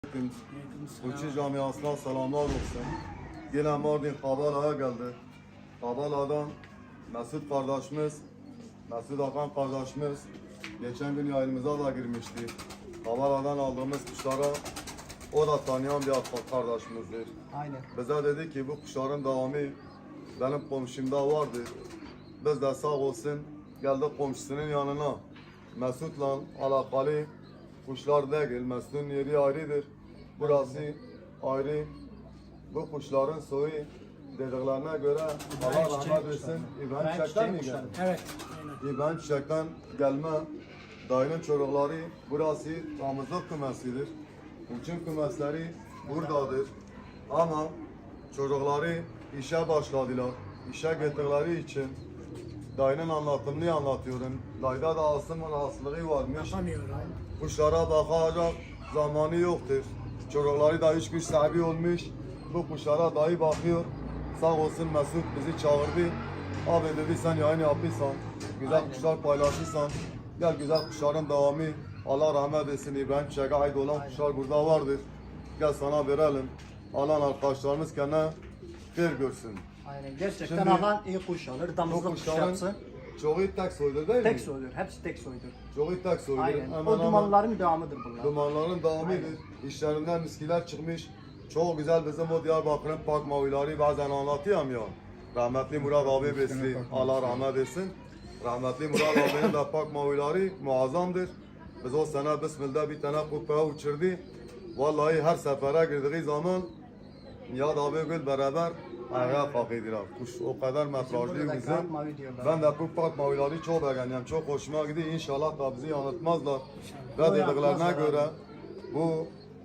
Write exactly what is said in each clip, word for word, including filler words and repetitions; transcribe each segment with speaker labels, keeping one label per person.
Speaker 1: Uçuş camiasına selamlar olsun. Yine Mardin Kabala'ya geldi. Kabala'dan Mesut kardeşimiz, Mesut Hakan kardeşimiz geçen gün yayınımıza da girmişti. Kabala'dan aldığımız kuşlara o da tanıyan bir kardeşimizdir.
Speaker 2: Aynen.
Speaker 1: Bize dedi ki bu kuşların devamı benim komşumda vardı. Biz de sağ olsun geldik komşusunun yanına. Mesut'la alakalı kuşlar değil, Mesut'un yeri ayrıdır. Burası ayrı. Bu kuşların soyu dediklerine göre Allah rahmet etsin. İbrahim Çiçek'ten mi geldi?
Speaker 2: Evet.
Speaker 1: İbrahim Çiçek'ten gelme dayının çocukları burası damızlık kümesidir. Uçum kümesleri buradadır. Ama çocukları işe başladılar. İşe gittikleri için dayının anlatımını anlatıyorum. Dayda da asım rahatsızlığı varmış.
Speaker 2: Yapamıyorum.
Speaker 1: Kuşlara bakacak zamanı yoktur. Çocukları da üç kuş sahibi olmuş. Bu kuşlara dayı bakıyor. Sağ olsun Mesut bizi çağırdı. Abi dedi sen yayın yapıyorsan, güzel
Speaker 2: Aynen.
Speaker 1: kuşlar paylaşırsan, gel güzel kuşların devamı. Allah rahmet etsin İbrahim Çiçek'e ait olan
Speaker 2: Aynen.
Speaker 1: kuşlar burada vardır. Gel sana verelim. Alan arkadaşlarımız kendine bir görsün.
Speaker 2: Aynen. Gerçekten
Speaker 1: Şimdi-
Speaker 2: alan iyi kuş alır.
Speaker 1: Bu
Speaker 2: Damızlık kuş
Speaker 1: kuşların
Speaker 2: yapsın.
Speaker 1: çoğu tek soydur değil mi?
Speaker 2: Tek soydur. Hepsi tek soydur.
Speaker 1: Çoğu tek soydur.
Speaker 2: Aynen.
Speaker 1: Hemen
Speaker 2: O
Speaker 1: hemen-
Speaker 2: dumanların devamıdır bunlar.
Speaker 1: Dumanların devamıdır. İşlerinden miskiler çıkmış. Çok güzel bizim o Diyarbakır'ın park mavileri bazen anlatıyorum ya. Rahmetli Murat abi besli. Allah rahmet etsin. Rahmetli Murat abinin de park mavileri muazzamdır. Biz o sene Bismillah bir tane kupaya uçurdu. Vallahi her sefere girdiği zaman Nihat abi gül beraber ayağa kalkıyorlar. Kuş o kadar metrajlı
Speaker 2: burada da
Speaker 1: güzel.
Speaker 2: kağıt mavi diyorlar.
Speaker 1: Ben de bu park mavileri çok beğeniyorum. Çok hoşuma gidiyor. İnşallah da bizi yanıltmazlar. Ve
Speaker 2: O
Speaker 1: dediklerine
Speaker 2: yapmazlar
Speaker 1: göre bu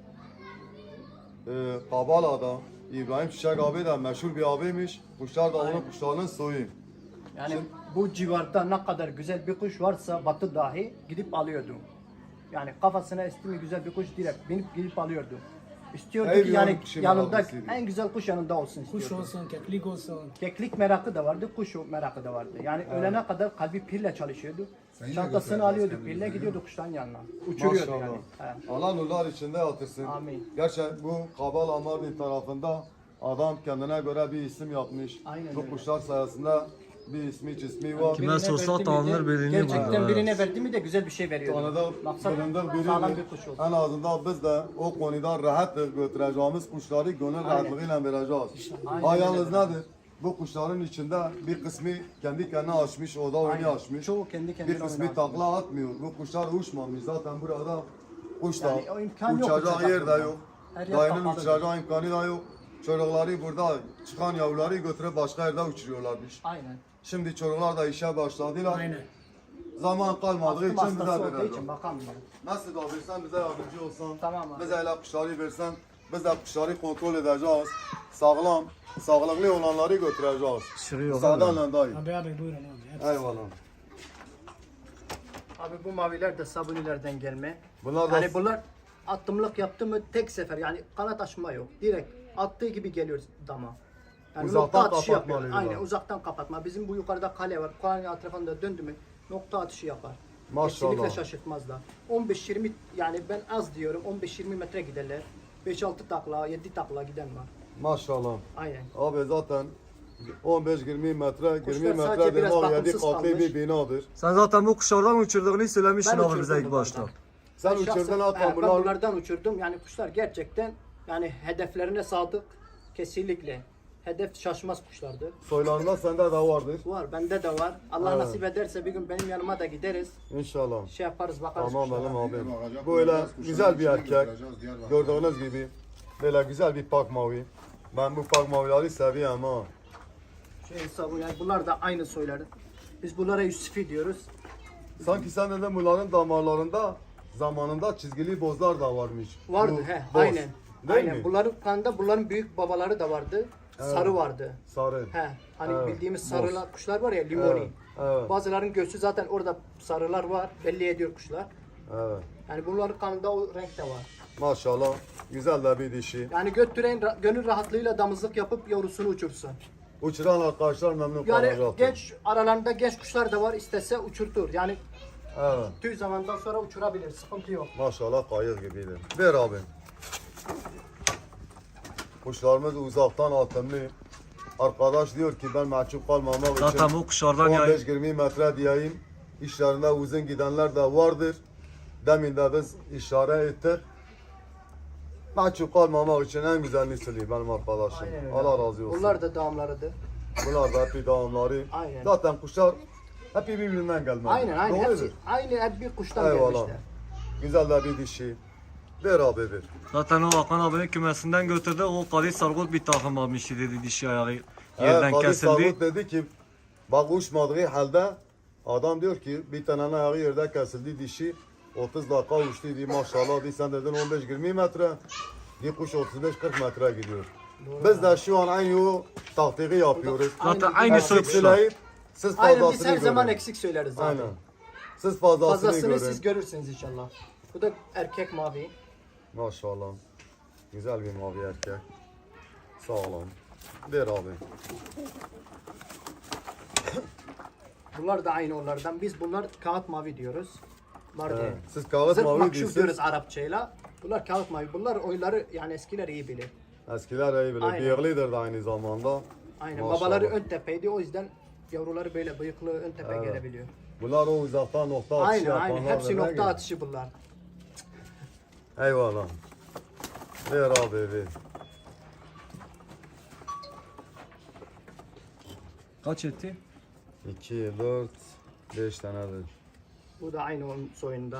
Speaker 1: e, Kabala'da İbrahim Çiçek abi de meşhur bir abiymiş. Kuşlar da onun
Speaker 2: Aynen.
Speaker 1: kuşlarının soyu.
Speaker 2: Yani bu civarda ne kadar güzel bir kuş varsa batı dahi gidip alıyordu. Yani kafasına esti mi güzel bir kuş direkt binip gidip alıyordu. İstiyordu
Speaker 1: Ey
Speaker 2: ki
Speaker 1: bir
Speaker 2: yani
Speaker 1: yanı kuşu
Speaker 2: yanında
Speaker 1: meraklısıydı.
Speaker 2: en güzel kuş yanında olsun
Speaker 3: Kuş
Speaker 2: istiyordu.
Speaker 3: olsun, keklik olsun.
Speaker 2: Keklik merakı da vardı, kuş merakı da vardı. Yani ölene kadar kalbi pille çalışıyordu.
Speaker 4: Sen yine
Speaker 2: Çantasını
Speaker 4: götüreceğiz
Speaker 2: alıyordu
Speaker 4: kendimizi,
Speaker 2: pille
Speaker 4: değil mi?
Speaker 2: gidiyordu kuşların yanına. Uçuruyordu
Speaker 1: Maşallah.
Speaker 2: yani. He.
Speaker 1: Allah nurlar içinde yatırsın.
Speaker 2: Amin.
Speaker 1: Gerçekten bu Kabala Mardin tarafında adam kendine göre bir isim yapmış.
Speaker 2: Aynen
Speaker 1: bu
Speaker 2: öyle.
Speaker 1: kuşlar sayesinde bir ismi cismi var.
Speaker 5: Kime
Speaker 2: Birine
Speaker 5: sorsa
Speaker 2: verdi mi
Speaker 5: tanınır
Speaker 2: de-
Speaker 5: birini
Speaker 2: Gerçekten
Speaker 5: burada,
Speaker 2: birine
Speaker 5: evet.
Speaker 2: verdi mi de güzel bir şey veriyordu.
Speaker 1: Tanıdık,
Speaker 2: Maksat
Speaker 1: tanıdık biri
Speaker 2: sağlam
Speaker 1: mi?
Speaker 2: bir kuş olsun.
Speaker 1: En azından biz de o konuda rahatız. Götüreceğimiz kuşları gönül rahatlığıyla vereceğiz.
Speaker 2: Aynen
Speaker 1: Ha
Speaker 2: öyle.
Speaker 1: yalnız nedir? Bu kuşların içinde bir kısmı kendi kendine açmış, o da oyunu
Speaker 2: Aynen.
Speaker 1: açmış.
Speaker 2: Çoğu kendi kendine
Speaker 1: Bir kısmı
Speaker 2: oyunu
Speaker 1: takla atmıyor. Bu kuşlar uçmamış. Zaten burada kuş da
Speaker 2: Yani o imkan yok
Speaker 1: uçacak
Speaker 2: uçacak
Speaker 1: yer de
Speaker 2: burada.
Speaker 1: yok.
Speaker 2: Her yer
Speaker 1: Dayının
Speaker 2: kapalı.
Speaker 1: uçacağı imkanı da yok. Çocukları burada çıkan yavruları götürüp başka yerde uçuruyorlarmış.
Speaker 2: Aynen.
Speaker 1: Şimdi çocuklar da işe başladılar.
Speaker 3: Aynen.
Speaker 1: Zaman kalmadığı
Speaker 2: Astım
Speaker 1: için bize
Speaker 2: hastası olduğu
Speaker 1: verecek.
Speaker 2: için bakamıyor.
Speaker 1: Nasıl da versen bize yardımcı olsan,
Speaker 2: Tamam abi.
Speaker 1: bize hele kuşları versen, biz de kuşları kontrol edeceğiz. Sağlam, sağlıklı olanları götüreceğiz.
Speaker 5: Şuraya yok
Speaker 1: Sağdan dayı.
Speaker 3: Abi abi buyurun abi. Hepsi.
Speaker 1: Eyvallah.
Speaker 2: Abi bu maviler de sabunilerden gelme.
Speaker 1: Bunlar da
Speaker 2: Yani bunlar attımlık yaptı mı tek sefer yani kanat açma yok. Direkt attığı gibi geliyor dama. Yani
Speaker 1: Uzaktan
Speaker 2: nokta atışı yapıyor.
Speaker 1: kapatmalıydı
Speaker 2: Aynen
Speaker 1: bu.
Speaker 2: uzaktan kapatma. Bizim bu yukarıda kale var. Kalenin etrafında döndü mü nokta atışı yapar.
Speaker 1: Maşallah.
Speaker 2: Kesinlikle şaşırtmazlar. on beş yirmi yani ben az diyorum on beş yirmi metre giderler. beş altı takla, yedi takla giden var.
Speaker 1: maşallah.
Speaker 2: Aynen.
Speaker 1: Abi zaten on beş yirmi metre, yirmi
Speaker 2: Kuşlar
Speaker 1: metre
Speaker 2: sadece biraz
Speaker 1: demek yedi
Speaker 2: bakımsız
Speaker 1: katlı
Speaker 2: kalmış.
Speaker 1: bir binadır.
Speaker 5: Sen zaten bu kuşlardan uçurduğunu söylemiştin
Speaker 2: Ben
Speaker 5: abi
Speaker 2: uçurdum
Speaker 5: bize ilk
Speaker 2: bunlardan.
Speaker 5: başta.
Speaker 1: Sen
Speaker 2: Ben şahsen-
Speaker 1: uçurdun
Speaker 2: he,
Speaker 1: hatta
Speaker 2: ben
Speaker 1: bunlar
Speaker 2: bunlardan uçurdum. Yani kuşlar gerçekten yani hedeflerine sadık. Kesinlikle. Hedef şaşmaz kuşlardı.
Speaker 1: soylarında sende de vardır.
Speaker 2: Var, bende de var. Allah
Speaker 1: Evet.
Speaker 2: nasip ederse bir gün benim yanıma da gideriz.
Speaker 1: İnşallah.
Speaker 2: Şey yaparız, bakarız
Speaker 1: Tamam
Speaker 2: kuşlara.
Speaker 1: benim abim.
Speaker 4: Bakacak,
Speaker 1: Böyle
Speaker 4: bakacağız, kuşların
Speaker 1: güzel bir
Speaker 4: içine
Speaker 1: erkek.
Speaker 4: götüreceğiz, Diyarbakır'a.
Speaker 1: Gördüğünüz gibi böyle güzel bir pak mavi. Ben bu pak mavileri seviyorum ha.
Speaker 2: Şey hesabı yani bunlar da aynı soyları. Biz bunlara Yusufi diyoruz.
Speaker 1: Sanki sen dedin bunların damarlarında zamanında çizgili bozlar da varmış.
Speaker 2: Vardı
Speaker 1: Bu
Speaker 2: he,
Speaker 1: boz.
Speaker 2: aynen.
Speaker 1: Değil
Speaker 2: aynen.
Speaker 1: mi?
Speaker 2: Bunların kanında bunların büyük babaları da vardı. Sarı vardı.
Speaker 1: Sarı.
Speaker 2: He, hani
Speaker 1: Evet,
Speaker 2: bildiğimiz
Speaker 1: boz.
Speaker 2: sarılar kuşlar var ya limoni.
Speaker 1: Evet, evet.
Speaker 2: Bazıların göğsü zaten orada sarılar var. Belli ediyor kuşlar.
Speaker 1: Evet.
Speaker 2: Yani bunların kanında o renk de var.
Speaker 1: Maşallah. Güzel de bir dişi.
Speaker 2: Yani götüren ra- gönül rahatlığıyla damızlık yapıp yavrusunu uçursun.
Speaker 1: Uçuran arkadaşlar memnun
Speaker 2: Yani
Speaker 1: kalacaktır.
Speaker 2: genç aralarında genç kuşlar da var istese uçurtur. Yani
Speaker 1: Evet.
Speaker 2: tüy zamandan sonra uçurabilir. Sıkıntı yok.
Speaker 1: Maşallah kayık gibiydi. Ver abi. Kuşlarımız uzaktan atımlı. Arkadaş diyor ki ben mahcup kalmamak için
Speaker 5: Zaten bu kuşlardan
Speaker 1: on
Speaker 5: yani
Speaker 1: beş yirmi metre diyeyim. İşlerinde uzun gidenler de vardır. Demin de biz işaret ettik. Mahcup kalmamak için en güzelini söyleyeyim benim arkadaşım.
Speaker 2: Aynen öyle.
Speaker 1: Allah razı olsun.
Speaker 2: Bunlar da damlarıdır.
Speaker 1: Bunlar da hep devamları.
Speaker 2: Aynen.
Speaker 1: Zaten kuşlar hep birbirinden gelmez.
Speaker 2: Aynen aynen.
Speaker 1: Doğrudur.
Speaker 2: Hepsi, aynı hep bir kuştan
Speaker 1: Eyvallah.
Speaker 2: gelmişler.
Speaker 1: Güzel de bir dişi. Ver abi ver.
Speaker 5: zaten o Hakan abinin kümesinden götürdü. O Kadir Sargut bir takım almıştı dedi dişi ayağı
Speaker 1: He,
Speaker 5: yerden
Speaker 1: Kadir
Speaker 5: kesildi.
Speaker 1: Sargut dedi ki bak uçmadığı halde adam diyor ki bir tane ayağı yerde kesildi dişi otuz dakika uçtu diye maşallah diye sen dedin on beş yirmi metre bir kuş otuz beş kırk metre gidiyor. Biz de şu an aynı o taktiği yapıyoruz.
Speaker 5: Zaten
Speaker 2: Aynen.
Speaker 5: aynı soy
Speaker 1: Eksik
Speaker 5: kuşlar.
Speaker 1: söyleyip siz
Speaker 2: Aynen
Speaker 1: fazlasını
Speaker 2: biz her zaman
Speaker 1: görün.
Speaker 2: eksik söyleriz zaten.
Speaker 1: Aynen. Siz fazlasını,
Speaker 2: Fazlasını
Speaker 1: görün.
Speaker 2: siz görürsünüz inşallah. Bu da erkek mavi.
Speaker 1: Maşallah. Güzel bir mavi erkek. Sağ olun. Ver abi.
Speaker 2: Bunlar da aynı onlardan. Biz bunlar kağıt mavi diyoruz. Bunlar
Speaker 1: He,
Speaker 2: değil.
Speaker 1: siz kağıt
Speaker 2: Zırt
Speaker 1: mavi
Speaker 2: makşuf
Speaker 1: diyorsunuz.
Speaker 2: diyoruz Arapçayla. Bunlar kağıt mavi. Bunlar oyları yani eskiler iyi bilir.
Speaker 1: Eskiler iyi bilir.
Speaker 2: Aynen.
Speaker 1: Bıyıklıdır da aynı zamanda.
Speaker 2: Aynen.
Speaker 1: Maşallah.
Speaker 2: Babaları ön tepeydi. O yüzden yavruları böyle bıyıklı ön tepe
Speaker 1: Evet.
Speaker 2: gelebiliyor.
Speaker 1: Bunlar o uzaktan nokta atışı
Speaker 2: Aynen
Speaker 1: yapanlar.
Speaker 2: aynen. Hepsi
Speaker 1: da ne
Speaker 2: nokta
Speaker 1: gibi?
Speaker 2: atışı bunlar.
Speaker 1: Eyvallah. Ver abi ver.
Speaker 5: Kaç etti?
Speaker 1: iki, dört, beş tanedir.
Speaker 2: Bu da aynı onun soyunda.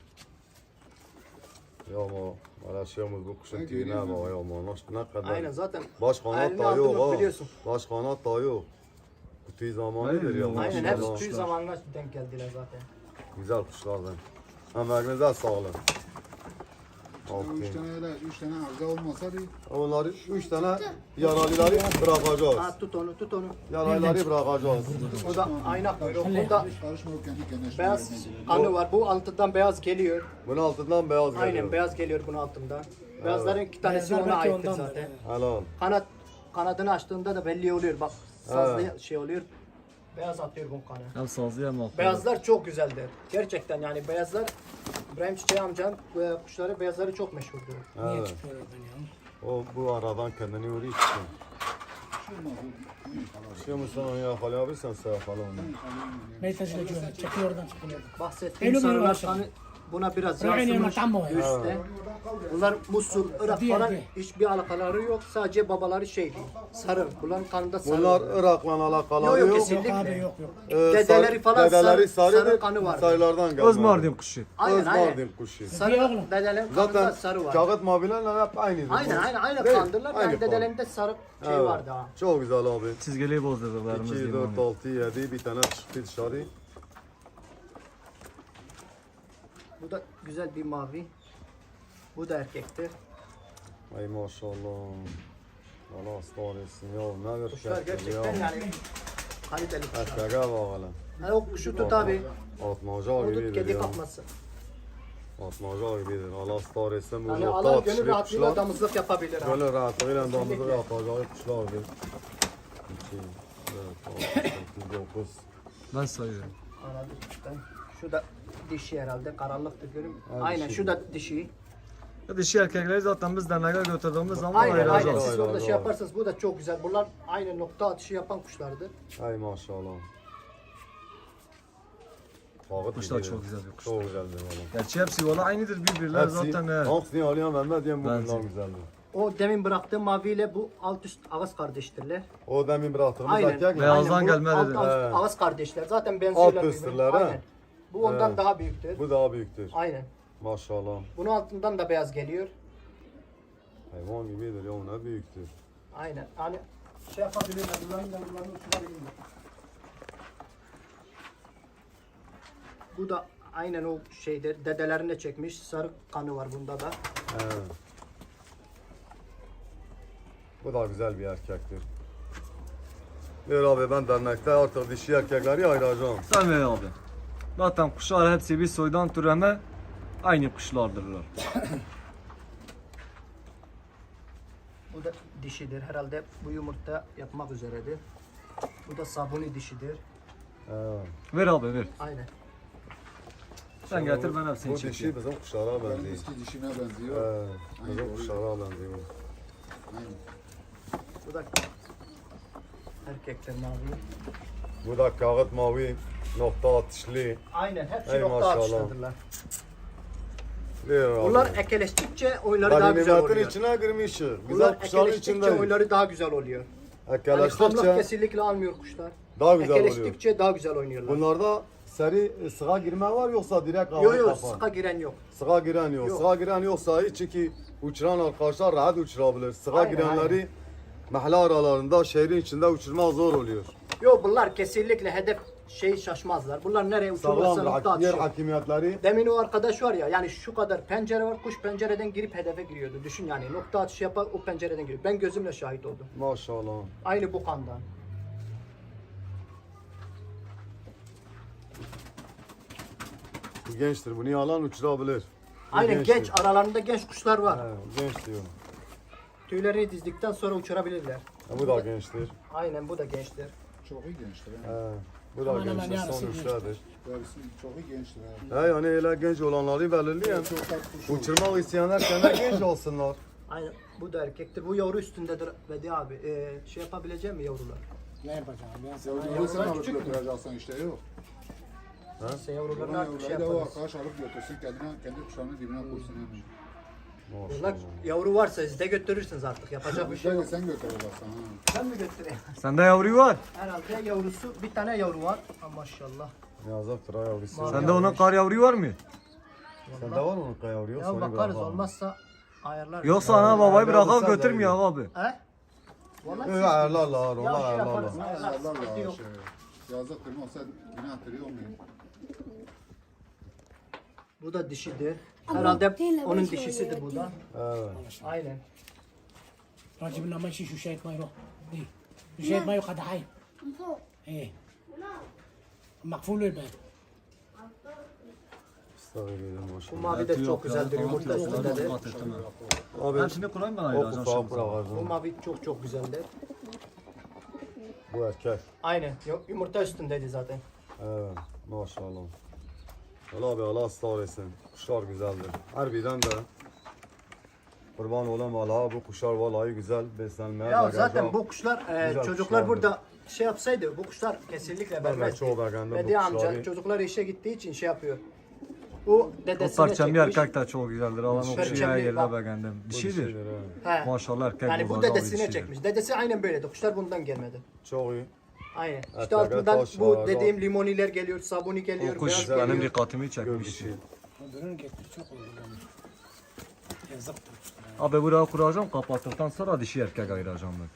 Speaker 1: Ya ama uğraşıyoruz bu kuşun tüyüne bak ya ama ne kadar.
Speaker 2: Aynen zaten.
Speaker 1: Baş kanat
Speaker 2: Elini
Speaker 1: da
Speaker 2: aldın mı
Speaker 1: yok ha.
Speaker 2: biliyorsun.
Speaker 1: Baş kanat da yok. Bu tüy zamanıdır ya.
Speaker 5: Aynen,
Speaker 2: Aynen
Speaker 1: maşallah.
Speaker 2: hepsi tüy zamanına denk geldiler zaten.
Speaker 1: Güzel kuşlardan. Emeğinize sağlık.
Speaker 4: Üç
Speaker 1: Aferin.
Speaker 4: tane öyle, üç tane arıza olmasa bir
Speaker 1: Onları üç tane yaralıları bırakacağız.
Speaker 2: Ha tut onu tut onu.
Speaker 1: Yaralıları bırakacağız.
Speaker 2: O da ayna kuyruğu. Bunda
Speaker 4: karışmıyor kendi kendine.
Speaker 2: beyaz kanı var. Bu altından beyaz geliyor.
Speaker 1: Bunun altından beyaz geliyor.
Speaker 2: Aynen beyaz geliyor bunun altından. Beyazların iki tanesi
Speaker 3: Beyazlar
Speaker 2: ona
Speaker 3: belki
Speaker 2: aittir
Speaker 3: ondandır,
Speaker 2: zaten.
Speaker 1: Helal.
Speaker 2: Kanat kanadını açtığında da belli oluyor. Bak sazlı şey oluyor. Beyaz atıyor bu kanı.
Speaker 5: Hem sazlı hem akıllı.
Speaker 2: Beyazlar çok güzeldir. Gerçekten yani beyazlar İbrahim Çiçeği amcanın e, kuşları beyazları çok meşhurdur.
Speaker 3: Niye
Speaker 1: Evet.
Speaker 3: çıkıyor oradan ya?
Speaker 1: O bu aradan kendini vuruyor için. Şey musun onu yakalayabilirsen sen yakala onu.
Speaker 3: Meytesi de güzel. Çekiyor oradan çıkıyor.
Speaker 2: Bahsettiğim
Speaker 3: Eylül
Speaker 2: sarılar
Speaker 3: Üniversitesi.
Speaker 2: kanı buna biraz
Speaker 3: Rayne
Speaker 2: yansımış
Speaker 3: Matambo ya.
Speaker 2: üstte. Bunlar Musul, Irak
Speaker 3: Diğer,
Speaker 2: falan
Speaker 3: diğer.
Speaker 2: hiçbir alakaları yok. Sadece babaları şeydi. Sarı. Bunların kanında sarı.
Speaker 1: Bunlar
Speaker 2: oluyor.
Speaker 1: Irak'la alakalı
Speaker 2: Yok, yok,
Speaker 1: yok.
Speaker 2: kesinlikle.
Speaker 3: Yok abi yok yok.
Speaker 1: Ee,
Speaker 2: Dedeleri
Speaker 1: sar-
Speaker 2: falan
Speaker 1: dedeleri
Speaker 2: sarı-
Speaker 1: sarıdır,
Speaker 2: sarı kanı vardı.
Speaker 1: Sarılardan gelmedi.
Speaker 5: Öz Mardin kuşu.
Speaker 2: Aynen
Speaker 1: Öz
Speaker 2: aynen.
Speaker 1: Mardin kuşu.
Speaker 2: Sarı
Speaker 3: Diğer-
Speaker 2: dedelerin kanında
Speaker 1: Zaten
Speaker 2: sarı var.
Speaker 1: kağıt mavilerle hep aynıdır.
Speaker 2: Aynen aynen aynı
Speaker 1: Değil,
Speaker 2: kandırlar.
Speaker 1: aynı
Speaker 2: Yani
Speaker 1: kan.
Speaker 2: dedelerinde sarı şey
Speaker 1: Evet.
Speaker 2: vardı ha.
Speaker 1: Çok güzel abi.
Speaker 5: Çizgili bozdurdularımız
Speaker 1: iki,
Speaker 5: diyeyim
Speaker 1: dört,
Speaker 5: onu.
Speaker 1: altı, yedi bir tane çıktı dışarı.
Speaker 2: Bu da güzel bir mavi. Bu da erkektir.
Speaker 1: Ay maşallah. Allah ıslah etsin ya. Ne bir
Speaker 2: Kuşlar
Speaker 1: erkek
Speaker 2: gerçekten
Speaker 1: ya.
Speaker 2: yani kaliteli kuşlar.
Speaker 1: Erkeğe bak hele.
Speaker 2: Yani o kuşu tut abi.
Speaker 1: Atmaca
Speaker 2: O tut
Speaker 1: gibidir
Speaker 2: kedi
Speaker 1: ya.
Speaker 2: kapması.
Speaker 1: Atmaca gibidir. Allah ıslah etsin. Bu
Speaker 2: Yani
Speaker 1: nokta
Speaker 2: Allah
Speaker 1: atışlı
Speaker 2: gönül rahatlığıyla
Speaker 1: kuşlar.
Speaker 2: damızlık yapabilir ha.
Speaker 1: Böyle rahatlığıyla damızlık yapacağı kuşlardır. iki, dört, altı, sekiz, dokuz.
Speaker 5: Ben sayıyorum.
Speaker 2: Anladım. Ben- Şu da dişi herhalde karanlıktır görün.
Speaker 1: Ha,
Speaker 2: Aynen
Speaker 1: dişi.
Speaker 2: şu da dişi.
Speaker 5: Ya dişi erkekleri zaten biz derneğe götürdüğümüz zaman
Speaker 2: Aynen aynen
Speaker 5: ayıracağız.
Speaker 2: siz
Speaker 1: Aynen,
Speaker 2: orada şey
Speaker 1: aynen.
Speaker 2: yaparsanız bu da çok güzel. Bunlar aynı nokta atışı yapan kuşlardır.
Speaker 1: Ay maşallah. Kağıt
Speaker 5: Kuşlar
Speaker 1: gibidir.
Speaker 5: çok güzel bir kuş.
Speaker 1: Çok güzeldir valla.
Speaker 5: Gerçi hepsi valla aynıdır birbirler
Speaker 1: Hepsi,
Speaker 5: zaten. he.
Speaker 1: hangisini alıyorum Mehmet diyeyim bu
Speaker 5: Bence.
Speaker 1: bunlar güzeldir.
Speaker 2: O demin bıraktığım maviyle bu alt üst ağız kardeştirler.
Speaker 1: O demin bıraktığımız
Speaker 2: Aynen.
Speaker 1: erkek mi?
Speaker 5: Beyaz. Beyazdan
Speaker 2: Aynen, bu
Speaker 5: gelme
Speaker 2: alt,
Speaker 5: dedi.
Speaker 2: alt
Speaker 1: He.
Speaker 2: ağız kardeşler. Zaten benziyorlar
Speaker 1: Alt üstler, ha?
Speaker 2: Aynen. Bu ondan
Speaker 1: He.
Speaker 2: daha büyüktür.
Speaker 1: Bu daha büyüktür.
Speaker 2: Aynen.
Speaker 1: Maşallah.
Speaker 2: Bunun altından da beyaz geliyor.
Speaker 1: Hayvan gibidir ya ne büyüktür.
Speaker 2: Aynen. Hani şey yapabilirler. Bunların da bunların uçurabilirler. Bu da aynen o şeydir. Dedelerine çekmiş. Sarı kanı var bunda da.
Speaker 1: He. Bu da güzel bir erkektir. Ver abi ben dernekte artık dişi erkekleri ayıracağım.
Speaker 5: Sen ver abi. Zaten kuşlar hepsi bir soydan türeme aynı kuşlardırlar.
Speaker 2: Bu da dişidir. Herhalde bu yumurta yapmak üzeredir. Bu da sabuni dişidir.
Speaker 1: He.
Speaker 5: Ver abi ver.
Speaker 2: Aynen.
Speaker 5: Sen getir ben
Speaker 1: Bu
Speaker 5: hepsini
Speaker 1: dişi
Speaker 5: çekeyim.
Speaker 1: bizim kuşlara benziyor.
Speaker 4: Eski dişine benziyor.
Speaker 1: He. Bizim kuşlara benziyor.
Speaker 4: Aynen.
Speaker 2: Bu da erkekler mavi.
Speaker 1: Bu da kağıt mavi, nokta atışlı.
Speaker 2: Aynen hepsi
Speaker 1: Ey
Speaker 2: nokta
Speaker 1: maşallah.
Speaker 2: atışlıdırlar.
Speaker 1: Ver abi.
Speaker 2: Bunlar ekeleştikçe oyları daha güzel
Speaker 1: Ganimetin
Speaker 2: oluyor.
Speaker 1: içine girmiş. Güzel
Speaker 2: Bunlar
Speaker 1: kuşların
Speaker 2: ekeleştikçe
Speaker 1: içinde.
Speaker 2: oyları daha güzel oluyor. Yani hamlık
Speaker 1: Ekeleştikçe
Speaker 2: kesinlikle almıyor kuşlar.
Speaker 1: daha güzel oluyor.
Speaker 2: Ekeleştikçe daha güzel oynuyorlar.
Speaker 1: Bunlarda seri e, sığa girme var yoksa direkt
Speaker 2: Yok
Speaker 1: hava
Speaker 2: yok
Speaker 1: kafa?
Speaker 2: sıka giren yok.
Speaker 1: Sığa giren yok.
Speaker 2: Yok.
Speaker 1: Sığa giren yoksa hiç çünkü uçuran arkadaşlar rahat uçurabilir. Sığa
Speaker 2: Aynen,
Speaker 1: girenleri mahalle aralarında şehrin içinde uçurma zor oluyor.
Speaker 2: Yok bunlar kesinlikle hedef şey şaşmazlar. Bunlar nereye uçurursa
Speaker 1: Sağlam
Speaker 2: nokta
Speaker 1: hak- yer
Speaker 2: atışıyor.
Speaker 1: hakimiyetleri.
Speaker 2: Demin o arkadaş var ya yani şu kadar pencere var kuş pencereden girip hedefe giriyordu. Düşün yani nokta atışı yapar o pencereden giriyor. Ben gözümle şahit oldum.
Speaker 1: Maşallah.
Speaker 2: Aynı bu kandan.
Speaker 1: Bu gençtir. Bunu yalan uçurabilir. Bu
Speaker 2: Aynen
Speaker 1: gençtir.
Speaker 2: genç aralarında genç kuşlar var.
Speaker 1: He, genç diyorum.
Speaker 2: Tüylerini dizdikten sonra uçurabilirler.
Speaker 1: Ha, bu da gençtir.
Speaker 2: Aynen bu da gençtir.
Speaker 4: Çok iyi gençler.
Speaker 1: He,
Speaker 4: Ha.
Speaker 1: bu da
Speaker 3: Aman aman,
Speaker 1: gençtir.
Speaker 3: yarısı
Speaker 1: Son
Speaker 3: gençtir.
Speaker 1: üçlerdir.
Speaker 4: Yarısı çok iyi gençler. Ha.
Speaker 1: He, yani öyle genç olanları belirleyen.
Speaker 4: Çok tatlı kuş olur.
Speaker 1: Uçurmak isteyenler kendi genç olsunlar.
Speaker 2: Aynen bu da erkektir. Bu yavru üstündedir Vedi abi. Ee, şey yapabilecek mi yavrular?
Speaker 3: Ne yapacağım ben sana?
Speaker 4: Yavruları sen
Speaker 2: Yavrular
Speaker 4: alıp
Speaker 2: küçük mü?
Speaker 4: götüreceksin işte yok.
Speaker 2: Neyse yavrularını
Speaker 4: Bunlar
Speaker 2: artık şey
Speaker 4: yavruları da o
Speaker 2: yaparız.
Speaker 4: arkadaş alıp götürsün kendine, kendi kuşağının dibine koysun hemen.
Speaker 2: Bunlar yavru varsa siz de götürürsünüz artık. Yapacak bir şey yok.
Speaker 4: Bizde sen götüreceksin ha.
Speaker 2: Ben mi götüreyim?
Speaker 5: Sende yavru var.
Speaker 2: Herhalde yavrusu bir tane yavru var. Ha, maşallah.
Speaker 1: Yazıktır ha yavrusu.
Speaker 2: Mavi
Speaker 5: Sende onun
Speaker 2: yavru.
Speaker 5: kar yavru var mı?
Speaker 1: Sende var mı onun yavru?
Speaker 2: Ya
Speaker 1: Sonra
Speaker 2: bakarız
Speaker 1: bırakalım.
Speaker 2: olmazsa ayarlar.
Speaker 5: Yoksa ana babayı
Speaker 1: Ya,
Speaker 5: bırakıp
Speaker 1: sen de
Speaker 5: götürmüyor
Speaker 1: iyi.
Speaker 5: abi.
Speaker 2: He? Vallahi
Speaker 1: Yok
Speaker 2: siz-
Speaker 1: ayarlarlar,
Speaker 2: Ya
Speaker 1: onlar
Speaker 2: şey yaparız.
Speaker 1: ayarlarlar.
Speaker 2: Ayarlar,
Speaker 4: Ayarlar
Speaker 2: sıkıntı
Speaker 4: ya
Speaker 2: yok.
Speaker 4: şey. Yazıktır mı olsa günahtır yok mu?
Speaker 2: Bu da dişidir. Herhalde onun dişisidir bu da.
Speaker 1: Evet.
Speaker 2: Aynen.
Speaker 3: راجب لنا ماشي شو شايف ما يروح دي شو شايف ما يقعد حي ايه مقفول الباب
Speaker 1: Estağfirullah,
Speaker 2: Bu
Speaker 1: maşallah.
Speaker 2: mavi de çok güzeldir. Yumurta üstündedir.
Speaker 1: Abi
Speaker 5: Hepsini kurayım ben
Speaker 1: o
Speaker 5: ayıracağım
Speaker 1: kufağı
Speaker 5: şimdi.
Speaker 2: Bu
Speaker 1: bırakacağım.
Speaker 2: mavi çok çok güzeldir.
Speaker 1: Bu erkek.
Speaker 2: Aynen. Yu- Yumurta üstündeydi zaten.
Speaker 1: Evet, maşallah. Allah abi Allah ısrar etsin. Kuşlar güzeldir. Harbiden de kurban olam Allah'a bu kuşlar vallahi güzel beslenmeye
Speaker 2: Ya
Speaker 1: bakacak.
Speaker 2: zaten bu kuşlar e,
Speaker 1: Güzel
Speaker 2: çocuklar
Speaker 1: kuşlardır.
Speaker 2: burada şey yapsaydı bu kuşlar kesinlikle
Speaker 1: Ben de
Speaker 2: vermezdi.
Speaker 1: çok beğendim bu
Speaker 2: Bedi amca
Speaker 1: kuşları.
Speaker 2: çocuklar işe gittiği için şey yapıyor. Bu
Speaker 5: O
Speaker 2: dedesine
Speaker 5: parçamlı
Speaker 2: çekmiş.
Speaker 5: erkek de çok güzeldir. Alan o
Speaker 2: Perçemli,
Speaker 5: kuşu her yerine
Speaker 2: bak.
Speaker 5: beğendim.
Speaker 1: Bu
Speaker 5: Dişidir.
Speaker 1: dişidir, he.
Speaker 2: He.
Speaker 5: Maşallah erkek
Speaker 2: Yani bu
Speaker 5: babadan bir
Speaker 2: dedesine
Speaker 5: dişidir.
Speaker 2: çekmiş. Dedesi aynen böyleydi. Kuşlar bundan gelmedi.
Speaker 1: Çok iyi.
Speaker 2: Aynen. İşte
Speaker 1: Erkek,
Speaker 2: altından
Speaker 1: taş,
Speaker 2: bu
Speaker 1: ağır,
Speaker 2: dediğim limoniler geliyor, sabuni geliyor,
Speaker 5: O kuş
Speaker 2: beyaz
Speaker 5: benim
Speaker 2: geliyor.
Speaker 5: dikkatimi
Speaker 1: Gör
Speaker 5: çekmiş.
Speaker 1: dişi.
Speaker 3: öbürünü getir çok oldu yani. Yazıktır kuşlara.
Speaker 5: Abi buraya kuracağım kapattıktan sonra dişi erkek ayıracağım ben.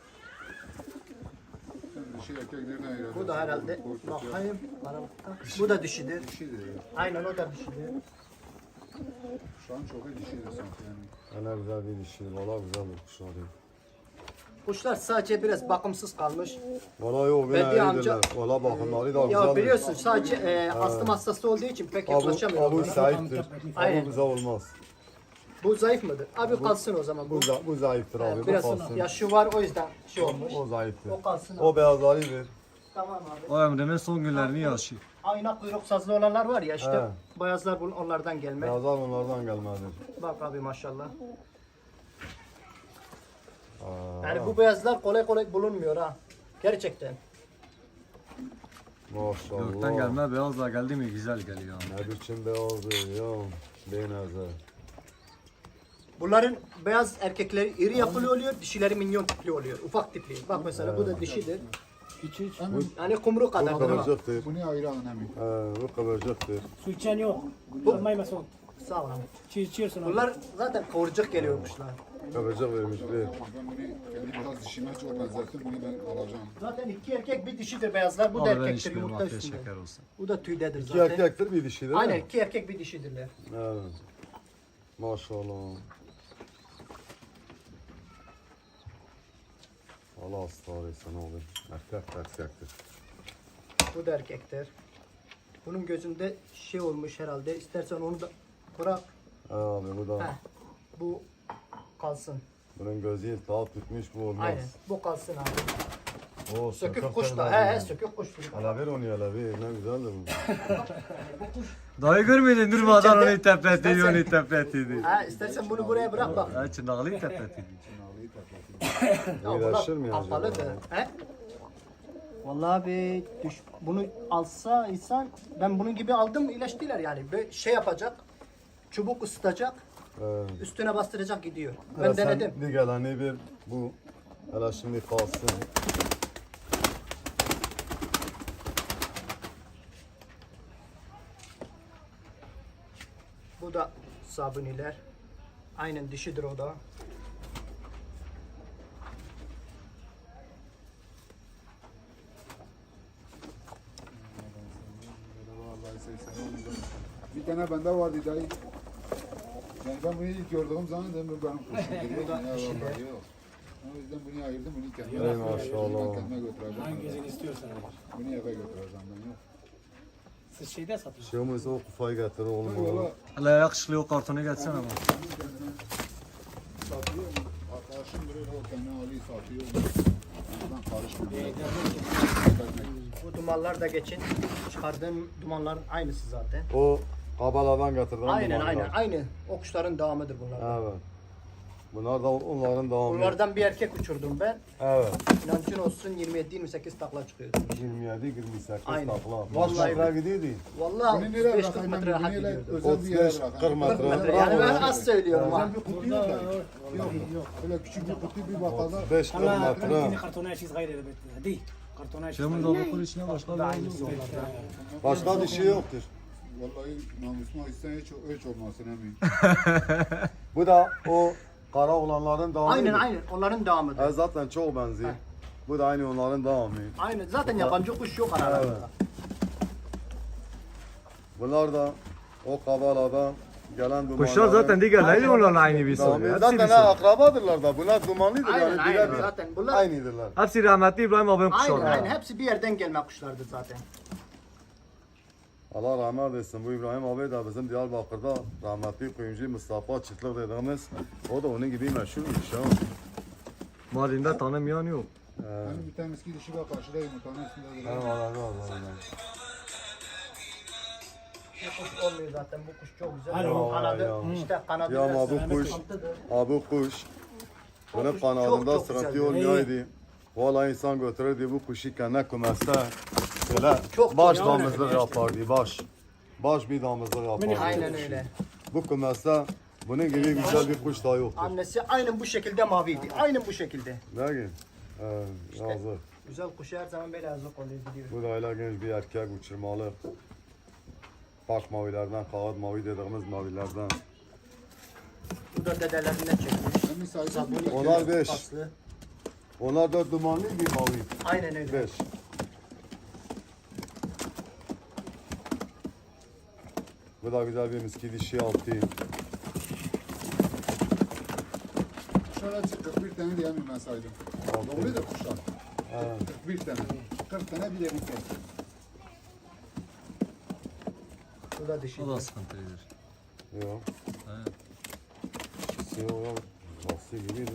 Speaker 4: Sen dişi erkeklerine ayıracaksın.
Speaker 2: Bu da herhalde
Speaker 4: Korkut ya.
Speaker 2: bakayım. Bana bak. Bu da dişidir.
Speaker 4: Dişidir ya.
Speaker 2: Aynen o da dişidir.
Speaker 4: Şu an çok iyi dişidir sanki yani.
Speaker 1: Ne güzel bir dişi. Valla güzel bir kuşlar. ya.
Speaker 2: Kuşlar sadece biraz bakımsız kalmış.
Speaker 1: Valla yok
Speaker 2: Bedi
Speaker 1: gene
Speaker 2: amca-
Speaker 1: iyidirler. Valla bakımları da
Speaker 2: Ya
Speaker 1: güzeldir.
Speaker 2: biliyorsun sadece e, astım hastası olduğu için pek
Speaker 1: Abu,
Speaker 2: yaklaşamıyor.
Speaker 1: abu
Speaker 2: onlara.
Speaker 1: sahiptir.
Speaker 2: Aynen.
Speaker 1: Abu bize olmaz.
Speaker 2: Bu zayıf mıdır? Abi kalsın o zaman. Bu,
Speaker 1: Bu, za- bu zayıftır
Speaker 2: e,
Speaker 1: abi. Bu
Speaker 2: biraz
Speaker 1: kalsın.
Speaker 2: yaşı var o yüzden şey olmuş.
Speaker 1: O zayıftır.
Speaker 2: O kalsın abi.
Speaker 1: O beyazları ver.
Speaker 2: Tamam abi.
Speaker 5: O Emre'nin son günlerini yaşıyor.
Speaker 2: Ayna kuyruk sazlı olanlar var ya işte
Speaker 1: He.
Speaker 2: beyazlar bunun onlardan gelme.
Speaker 1: Beyazlar onlardan gelmedir.
Speaker 2: Bak abi maşallah.
Speaker 1: Aa,
Speaker 2: Yani bu beyazlar kolay kolay bulunmuyor ha. Gerçekten.
Speaker 1: maşallah.
Speaker 5: Gökten gelme beyaz da geldi mi güzel geliyor. ama.
Speaker 1: Ne biçim beyazdır ya. Beyneze.
Speaker 2: Bunların beyaz erkekleri iri yapılı oluyor, dişileri minyon tipli oluyor. Ufak tipli. Bak mesela bu da dişidir.
Speaker 3: Hiç hiç.
Speaker 4: Hemen
Speaker 2: Yani kumru
Speaker 1: Bu
Speaker 2: kadar.
Speaker 1: kıvırcıktır.
Speaker 4: bunu ayıran hemen.
Speaker 1: Ee, bu kıvırcıktır.
Speaker 3: Su içen yok. Almayı masum.
Speaker 2: Sağ ol abi.
Speaker 3: Çiğ içiyorsun abi.
Speaker 2: Bunlar zaten kıvırcık geliyormuşlar.
Speaker 1: Kıvırcık vermiş bir.
Speaker 4: Ben bunu kendi biraz dişime çok benzettim. Bunu ben alacağım.
Speaker 2: Zaten iki erkek bir dişidir beyazlar. Bu da
Speaker 5: Abi ben
Speaker 2: erkektir
Speaker 5: içmiyorum
Speaker 2: yumurta
Speaker 5: afiyet
Speaker 2: üstünde.
Speaker 5: şeker olsun.
Speaker 2: Bu da tüydedir
Speaker 1: İki
Speaker 2: zaten.
Speaker 1: erkektir bir dişi değil
Speaker 2: Aynen
Speaker 1: mi?
Speaker 2: iki erkek bir dişidirler.
Speaker 1: Evet. Maşallah. Allah ısrar etsin abi. Erkek erkektir.
Speaker 2: Bu da erkektir. Bunun gözünde şey olmuş herhalde. İstersen onu da bırak.
Speaker 1: Ee, abi bu da
Speaker 2: Heh. Bu kalsın.
Speaker 1: bunun gözü iltihap tutmuş bu olmaz.
Speaker 2: Aynen. Bu kalsın abi.
Speaker 1: O
Speaker 2: Sökük
Speaker 1: sökük
Speaker 2: kuş da.
Speaker 1: da.
Speaker 2: He he sökük kuştur.
Speaker 1: Hele ver onu hele ver. Ne güzeldir bu.
Speaker 5: Dayı görmedin durmadan
Speaker 2: İçeride-
Speaker 5: onu tepet ediyor, onu
Speaker 2: İstersen-
Speaker 5: tepet ediyor.
Speaker 2: Ha, istersen bunu buraya bırak bak.
Speaker 5: Ha çınarlı tepet ediyor.
Speaker 4: Çınarlıyı tepeti.
Speaker 2: Ya
Speaker 1: İyileşir mi
Speaker 2: bunlar
Speaker 1: acaba?
Speaker 2: kapalıdır. He? Vallahi abi düş, bunu alsa insan ben bunun gibi aldım iyileştiler yani. Böyle şey yapacak. Çubuk ısıtacak.
Speaker 1: Evet.
Speaker 2: Üstüne bastıracak gidiyor. Ben
Speaker 1: Hele sen
Speaker 2: denedim.
Speaker 1: Bir geleni bir bu. Hele şimdi kalsın.
Speaker 2: Bu da sabuniler. Aynen dişidir o da.
Speaker 4: Vallahi seksen oldu. Bir tane bende vardı dayı. Yani ben bunu ilk gördüğüm zaman dedim bu benim kuşum. Bu da yok. O yüzden bunu ayırdım, bunu kendime
Speaker 1: Ey maşallah.
Speaker 4: Ben kendime götüreceğim.
Speaker 3: Hangisini istiyorsan.
Speaker 4: Bunu eve götüreceğim ben yok.
Speaker 3: Siz şeyde satıyorsunuz.
Speaker 1: Şey olmazsa o kufayı getir oğlum.
Speaker 4: Valla
Speaker 1: bana.
Speaker 5: Hele yakışıklı o kartonu getirsene bana.
Speaker 4: satıyor. Arkadaşım duruyor o kendi alıyor satıyor. Ben karışmıyorum.
Speaker 2: Bu dumanlar da geçin. Çıkardığım dumanların aynısı zaten.
Speaker 1: O kabaladan getirdim.
Speaker 2: Aynen aynen aynı. O kuşların devamıdır bunlar.
Speaker 1: Evet. Bunlar da onların devamı.
Speaker 2: Bunlardan bir erkek uçurdum ben.
Speaker 1: Evet.
Speaker 2: İnancın olsun yirmi yedi yirmi sekiz takla çıkıyordu.
Speaker 1: yirmi yedi yirmi sekiz
Speaker 2: Aynen.
Speaker 1: takla.
Speaker 2: Vallahi
Speaker 1: Vallahi metre gidiyordu.
Speaker 2: Vallahi
Speaker 4: Bunu
Speaker 2: otuz
Speaker 4: nereye
Speaker 2: beş kırk
Speaker 4: bırakayım?
Speaker 2: metre
Speaker 4: Bunu
Speaker 2: rahat
Speaker 4: nereye
Speaker 2: gidiyordu.
Speaker 4: özel bir yere
Speaker 1: otuz beş kırk
Speaker 4: bırakayım.
Speaker 1: metre.
Speaker 2: Metre. Yani ben az söylüyorum ha.
Speaker 4: Özel bir kutu yok dayı. Yok yok. Öyle küçük bir kutu bir bakalım.
Speaker 1: otuz beş kırk
Speaker 3: Allah
Speaker 1: metre.
Speaker 3: yine kartona şiş gayrı da bekliyor. Değil. Kartona şiş
Speaker 5: Şimdi
Speaker 3: gayrı.
Speaker 5: de bu içine başka bir
Speaker 2: Da
Speaker 5: şey
Speaker 2: aynısı
Speaker 5: yok.
Speaker 2: onlardan.
Speaker 1: Başka bir şey yoktur.
Speaker 4: Vallahi namusuma isten hiç, hiç olmasın emin.
Speaker 1: Bu da o kara olanların devamı.
Speaker 2: Aynen aynen onların devamıdır.
Speaker 1: E zaten çok benziyor. Bu da aynı onların devamı.
Speaker 2: Aynen zaten yabancı kuş yok aralarında.
Speaker 1: Bunlar da o kabaladan gelen dumanların.
Speaker 5: Kuşlar zaten diğerleriyle onlarla aynı bir soy.
Speaker 1: devamı.
Speaker 5: Hepsi
Speaker 1: Zaten
Speaker 5: bir
Speaker 1: ha,
Speaker 5: soy.
Speaker 1: akrabadırlar da. Bunlar dumanlıdır
Speaker 2: Aynen
Speaker 1: yani.
Speaker 2: aynen
Speaker 1: birebir
Speaker 2: zaten bunlar
Speaker 1: Aynıdırlar.
Speaker 5: Hepsi rahmetli İbrahim abinin
Speaker 2: aynen
Speaker 5: kuşları.
Speaker 2: aynen hepsi bir yerden gelme kuşlardır zaten.
Speaker 1: Allah rahmet etsin. Bu İbrahim abi de bizim Diyarbakır'da rahmetli kuyumcu Mustafa Çıtlık dediğimiz. O da onun gibi meşhurmuş ya.
Speaker 5: Mardin'de tanımayan yok.
Speaker 4: Hani bir tane eski dişi var karşıda yumurtanın üstünde duruyor.
Speaker 1: Eyvallah eyvallah.
Speaker 2: Bu kuş olmuyor zaten bu kuş çok güzel.
Speaker 3: Alo.
Speaker 2: Bunun kanadı
Speaker 1: Ya.
Speaker 2: işte kanadı
Speaker 1: Ya ama
Speaker 2: biraz
Speaker 1: bu kuş,
Speaker 2: sıkıntıdır.
Speaker 1: ha bu kuş. Bunun
Speaker 2: kuş
Speaker 1: kanadında
Speaker 2: çok çok
Speaker 1: sıkıntı
Speaker 2: güzel.
Speaker 1: olmayaydı. Vallahi insan götürürdü bu kuşu kendine kümeste. Böyle
Speaker 2: Çok
Speaker 1: baş
Speaker 2: çok
Speaker 1: damızlık yapardı baş. Baş bir damızlık yapardı.
Speaker 2: Aynen öyle.
Speaker 1: Bu kümeste bunun gibi güzel bir kuş da yoktur.
Speaker 2: Annesi aynen bu şekilde maviydi. Aynen bu şekilde.
Speaker 1: Ne ki? Ee, yazık.
Speaker 2: Güzel kuşu her zaman böyle yazık oluyor gidiyor.
Speaker 1: Bu da öyle genç bir erkek uçurmalı. Park mavilerden, kağıt mavi dediğimiz mavilerden.
Speaker 2: Bu da dedelerinden çekmiş.
Speaker 4: Emin sayısı
Speaker 2: Sabuni,
Speaker 1: Onlar beş.
Speaker 2: aslı.
Speaker 1: Onlar da dumanlı bir mavi.
Speaker 2: Aynen öyle.
Speaker 1: Beş. Bu da güzel bir miski dişi altı.
Speaker 4: Şöyle kırk bir tane diyemem ben saydım. Doğru da kuşlar.
Speaker 1: Evet.
Speaker 4: kırk bir tane. kırk tane bir de bir tane.
Speaker 2: Bu da dişi.
Speaker 5: O da sıkıntılıdır.
Speaker 1: Yok.
Speaker 5: Evet.
Speaker 1: İkisi o ya. Lastiği gibiydi.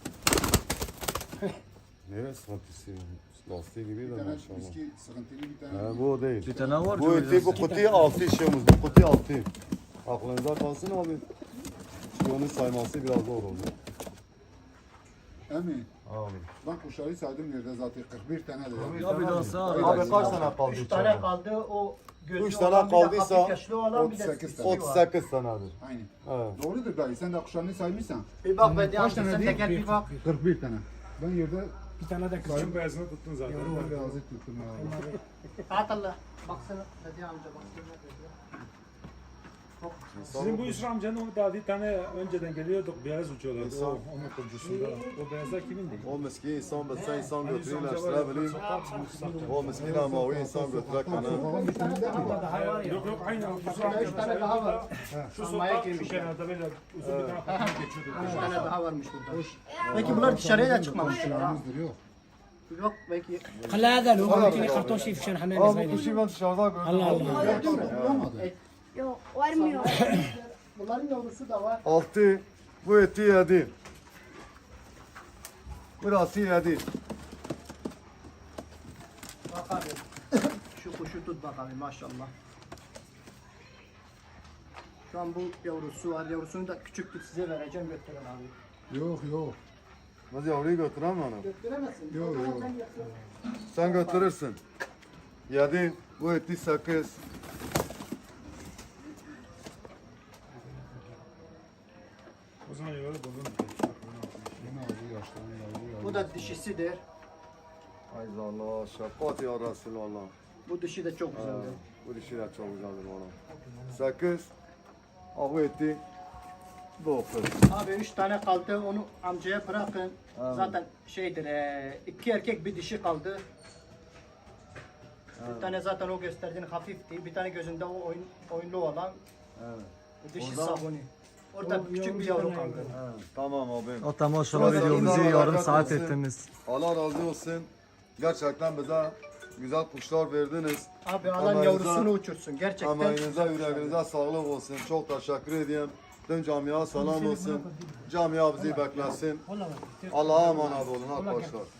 Speaker 1: Nereye sıkıntısı? Lastiği gibiydi
Speaker 4: Bir tane
Speaker 1: maşallah.
Speaker 4: viski sıkıntılı bir tane.
Speaker 1: He, bu o değil.
Speaker 5: Bir tane var.
Speaker 1: Bu
Speaker 5: çok
Speaker 1: eti bu
Speaker 5: güzel.
Speaker 1: kutuyu altı işiyoruz. Bu kutuyu altı. Aklınıza kalsın abi. Çünkü onun sayması biraz zor oldu.
Speaker 4: Emin.
Speaker 1: Abi.
Speaker 4: Ben kuşları saydım yerde zaten kırk bir tane de.
Speaker 5: Ya bir daha sağ ol.
Speaker 1: Abi kaç tane kaldı
Speaker 2: Üç
Speaker 1: içeride?
Speaker 2: tane kaldı o gözlü
Speaker 1: Üç tane
Speaker 2: olan bir de
Speaker 1: kaldıysa
Speaker 2: hafif yaşlı olan bir de
Speaker 4: otuz sekiz
Speaker 2: sisi
Speaker 4: tane.
Speaker 1: otuz
Speaker 2: var.
Speaker 1: sekiz tanedir.
Speaker 4: Aynen.
Speaker 1: Evet.
Speaker 4: Doğrudur dayı. Sen de kuşlarını saymışsan.
Speaker 2: Bir bak be
Speaker 4: Kaç tane
Speaker 2: sen
Speaker 4: değil?
Speaker 2: teker bir bak.
Speaker 4: kırk bir tane. Ben yerde
Speaker 3: Bir tane de kızım.
Speaker 4: sayım beyazını tuttun zaten. Ben beyazı tuttum ya.
Speaker 2: At Allah. Baksana Hadi amca baksana.
Speaker 6: Sizin bu Yusuf amcanın o da bir tane önceden geliyorduk beyaz uçuyorlardı
Speaker 1: İnsan.
Speaker 6: o onun kurucusunda. O beyazlar kimindi?
Speaker 1: O miskin insan bilse insan
Speaker 6: Hani Yusuf
Speaker 1: götürüyor
Speaker 6: amca var ya,
Speaker 1: işte bileyim.
Speaker 6: sokak-
Speaker 1: O miskin ama o insan götürür kanı.
Speaker 4: Sokağın bir tane de mi var?
Speaker 3: Daha var ya.
Speaker 6: Yok yok aynı Yusuf
Speaker 2: Üç
Speaker 6: amca
Speaker 2: tane
Speaker 6: mesela
Speaker 2: daha var.
Speaker 6: şu
Speaker 2: Almaya
Speaker 6: sokak şu
Speaker 2: girmişler.
Speaker 6: kenarda böyle uzun bir tane kapı geçiyordu.
Speaker 2: Üç tane daha varmış burada. Peki bunlar dışarıya da çıkmamışlar.
Speaker 4: Kuşlarımızdır yok.
Speaker 2: Yok belki.
Speaker 3: خلى هذا لو قلت لي خرطوم شيء في شان حمام
Speaker 1: Abi bu
Speaker 3: صغير.
Speaker 1: kuşu ben dışarıda gördüm.
Speaker 3: Allah Allah.
Speaker 4: Bulamadı.
Speaker 7: Yok, varmıyor.
Speaker 2: Bunların yavrusu da var.
Speaker 1: Altı. Bu eti yedi. Burası yedi.
Speaker 2: Bak abi. Şu kuşu tut bak abi maşallah. Şu an bu yavrusu var. Yavrusunu da küçüktür, size vereceğim, götürün abi.
Speaker 4: Yok yok.
Speaker 1: Nasıl yavruyu götüremem onu.
Speaker 2: Götüremezsin.
Speaker 4: Yok,
Speaker 2: O zaman
Speaker 4: yok.
Speaker 2: sen götür.
Speaker 1: Sen götürürsün. Yedi, bu eti sekiz.
Speaker 6: O zaman yolu buldum.
Speaker 4: Yine abi yaşlandı yavru
Speaker 2: Bu da dişisidir.
Speaker 1: Ay Allah, şefkat ya Resulallah.
Speaker 2: Bu dişi de çok
Speaker 1: Ha,
Speaker 2: güzeldir.
Speaker 1: bu dişi de çok güzeldir bana. Sekiz. Ha, bu eti dokuz.
Speaker 2: Abi üç tane kaldı, onu amcaya bırakın.
Speaker 1: Evet.
Speaker 2: Zaten şeydir, eee, iki erkek bir dişi kaldı. Bir tane zaten o gösterdiğin hafifti. Bir tane gözünde o oyun, oyunlu olan.
Speaker 1: Evet.
Speaker 2: Bu dişi
Speaker 1: Orada-
Speaker 2: sabuni. Orada
Speaker 3: O
Speaker 2: küçük
Speaker 3: yavru
Speaker 2: bir
Speaker 3: bir
Speaker 2: yavru
Speaker 3: tane
Speaker 2: kaldı.
Speaker 1: Evet. Tamam abi.
Speaker 5: Hatta maşallah
Speaker 1: Biraz
Speaker 5: videomuzu
Speaker 1: Allah
Speaker 5: yarım
Speaker 1: bereket
Speaker 5: saat
Speaker 1: versin.
Speaker 5: ettiniz.
Speaker 1: Allah razı olsun. Gerçekten bize güzel kuşlar verdiniz.
Speaker 2: Abi alan
Speaker 1: Emeğinize-
Speaker 2: yavrusunu uçursun. Gerçekten.
Speaker 1: Emeğinize, yüreğinize sağlık olsun. Çok teşekkür ediyorum. Tüm camiaya selam olsun. Camia bizi beklesin.
Speaker 3: Hola,
Speaker 1: Allah'a emanet olun arkadaşlar.